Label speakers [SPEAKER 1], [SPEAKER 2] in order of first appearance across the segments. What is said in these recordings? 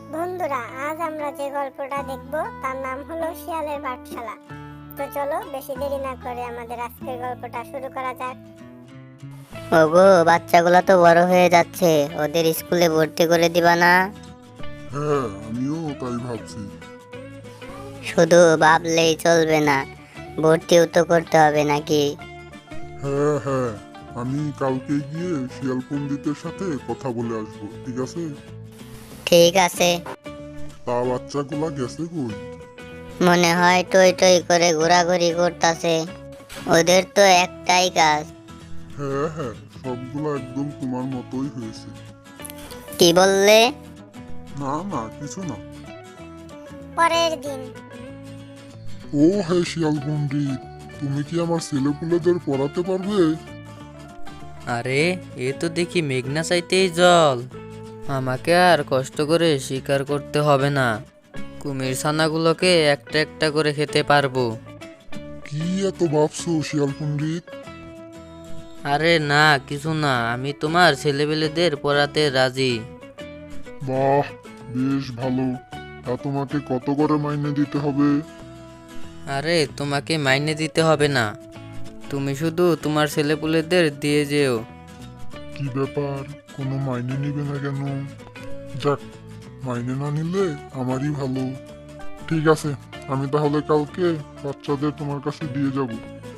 [SPEAKER 1] বন্ধুরা, আজ আমরা যে গল্পটা দেখব তার নাম হলো শিয়ালের পাঠশালা। তো চলো বেশি দেরি না করে আমাদের আজকের গল্পটা শুরু করা যাক।
[SPEAKER 2] ওগো, বাচ্চাগুলো তো বড় হয়ে যাচ্ছে, ওদের স্কুলে ভর্তি করে দিবা না?
[SPEAKER 3] হ্যাঁ, আমিও তাই ভাবছি।
[SPEAKER 2] শুধু ভাবলেই চলবে না, ভর্তিও তো করতে হবে নাকি?
[SPEAKER 3] হ্যাঁ হ্যাঁ, আমি কালকে গিয়ে শিয়াল পণ্ডিতের সাথে কথা বলে আসবো, ঠিক আছে?
[SPEAKER 2] ঠিক আছে।
[SPEAKER 3] তা বাচ্চাগুলা গেছে কই?
[SPEAKER 2] মনে হয় টই টই করে ঘোরাঘুরি করতেছে। ওদের তো একটাই কাজ।
[SPEAKER 3] হ্যাঁ হ্যাঁ, সবগুলা একদম তোমার মতোই হয়েছে।
[SPEAKER 2] কি বললে?
[SPEAKER 3] না না, কিছু না।
[SPEAKER 1] পরের দিন।
[SPEAKER 3] ও হ্যাঁ, শিয়াল পণ্ডিত, তুমি কি আমার ছেলেপুলেদের পড়াতে পারবে?
[SPEAKER 4] আরে, এ তো দেখি মেঘনা চাইতেই জল। আমাকে আর কষ্ট করে শিকার করতে হবে না, কুমির ছানাগুলোকে একটা একটা করে খেতে পারবো।
[SPEAKER 3] কি এত ভাবছো শিয়াল পণ্ডিত?
[SPEAKER 4] আরে না, কিছু না, আমি তোমার ছেলেপেলেদের পড়াতে রাজি।
[SPEAKER 3] বাহ, বেশ ভালো। তা তোমাকে কত করে মাইনে দিতে হবে?
[SPEAKER 4] আরে তোমাকে মাইনে দিতে হবে না, তুমি শুধু তোমার ছেলেপুলেদের দিয়ে যেও।
[SPEAKER 3] কি ব্যাপার, কোনো মাইনে নিবে না কেন? যাক, মাইনে না নিলে আমারই ভালো। ঠিক আছে, আমি তাহলে কালকে বাচ্চাদের তোমার কাছে দিয়ে যাব।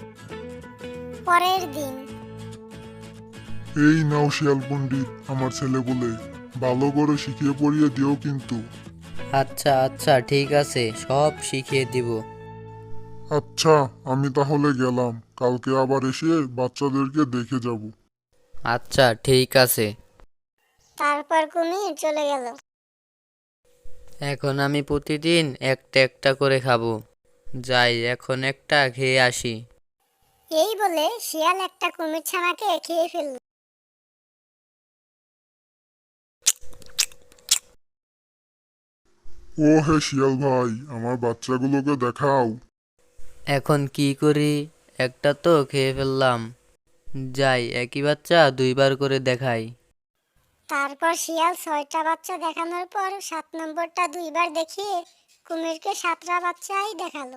[SPEAKER 1] পরের দিন।
[SPEAKER 3] এই নাও শিয়াল পণ্ডিত, আমার ছেলে বলে, ভালো করে শিখিয়ে পড়িয়ে দিও কিন্তু।
[SPEAKER 4] আচ্ছা আচ্ছা, ঠিক আছে, সব শিখিয়ে দিব।
[SPEAKER 3] আচ্ছা, আমি তাহলে গেলাম, কালকে আবার এসে বাচ্চাদেরকে দেখে যাব।
[SPEAKER 4] আচ্ছা ঠিক আছে।
[SPEAKER 1] তারপর কুমির চলে গেল।
[SPEAKER 4] এখন আমি প্রতিদিন একটা একটা করে খাবো। যাই, এখন একটা খেয়ে আসি।
[SPEAKER 1] এই বলে শিয়াল একটা কুমির ছানাকে খেয়ে ফেলল।
[SPEAKER 3] ও হে শিয়াল ভাই, আমার বাচ্চাগুলোকে দেখাও।
[SPEAKER 4] এখন কি করি? একটা তো খেয়ে ফেললাম। যাই, একই বাচ্চা দুইবার করে দেখাই।
[SPEAKER 1] তারপর শিয়াল 6টা বাচ্চা দেখানোর পর 7 নম্বরটা দুইবার দেখিয়ে কুমিরকে 7টা বাচ্চাই দেখালো।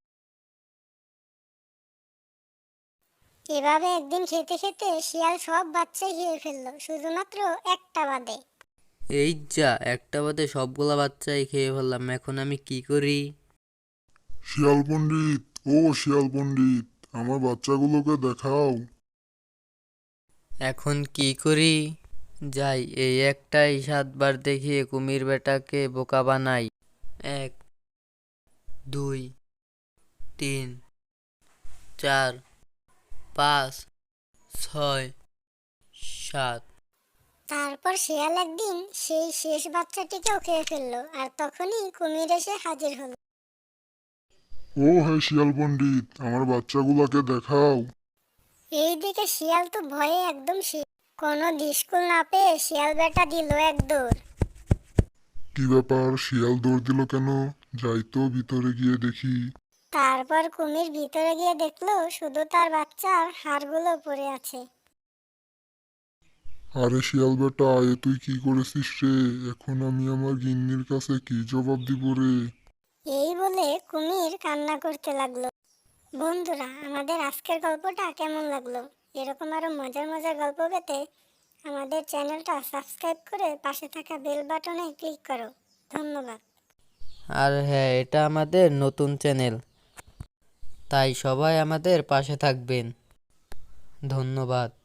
[SPEAKER 1] এভাবে একদিন খেতে খেতে শিয়াল সব বাচ্চাই খেয়ে ফেললো, শুধুমাত্র একটা বাদে।
[SPEAKER 4] এই যা, একটা বাদে সবগুলা বাচ্চাই খেয়ে ফেললাম, এখন আমি কি করি?
[SPEAKER 3] শিয়াল পণ্ডিত, ও শিয়াল পণ্ডিত, আমার বাচ্চাগুলোকে দেখাও।
[SPEAKER 4] এখন কি করি? যাই, এই একটাই 7বার দেখিয়ে কুমির বেটাকে বোকা বানাই। 1, 2, 3, 4, 5, 6, 7।
[SPEAKER 1] তারপর শিয়াল একদিন সেই শেষ বাচ্চাটিকেও খেয়ে ফেললো, আর তখনই কুমির এসে হাজির হলো।
[SPEAKER 3] ও হে শিয়াল পণ্ডিত, আমার বাচ্চাগুলোকে দেখাও।
[SPEAKER 1] এই দিকে শিয়াল তো ভয়ে একদম শেষ। কোনো দিশকুল না পেয়ে শিয়াল বেটা দিল এক দৌড়।
[SPEAKER 3] কি ব্যাপার, শিয়াল দৌড় দিল কেন? যাই তো ভিতরে গিয়ে দেখি।
[SPEAKER 1] তারপর কুমির ভিতরে গিয়ে দেখলো শুধু তার বাচ্চার হাড়গুলো পড়ে আছে।
[SPEAKER 3] আরে শিয়াল বেটা, এ তুই কি করেছিস রে? এখন আমি আমার গিন্নির কাছে কি জবাব দিব রে?
[SPEAKER 1] এই বলে কুমির কান্না করতে লাগলো। বন্ধুরা, আমাদের আজকের গল্পটা কেমন লাগলো? এরকম আরো মজার মজার গল্প পেতে আমাদের চ্যানেলটা সাবস্ক্রাইব করে পাশে থাকা বেল বাটনে ক্লিক করো। ধন্যবাদ।
[SPEAKER 4] আর হ্যাঁ, এটা আমাদের নতুন চ্যানেল, তাই সবাই আমাদের পাশে থাকবেন। ধন্যবাদ।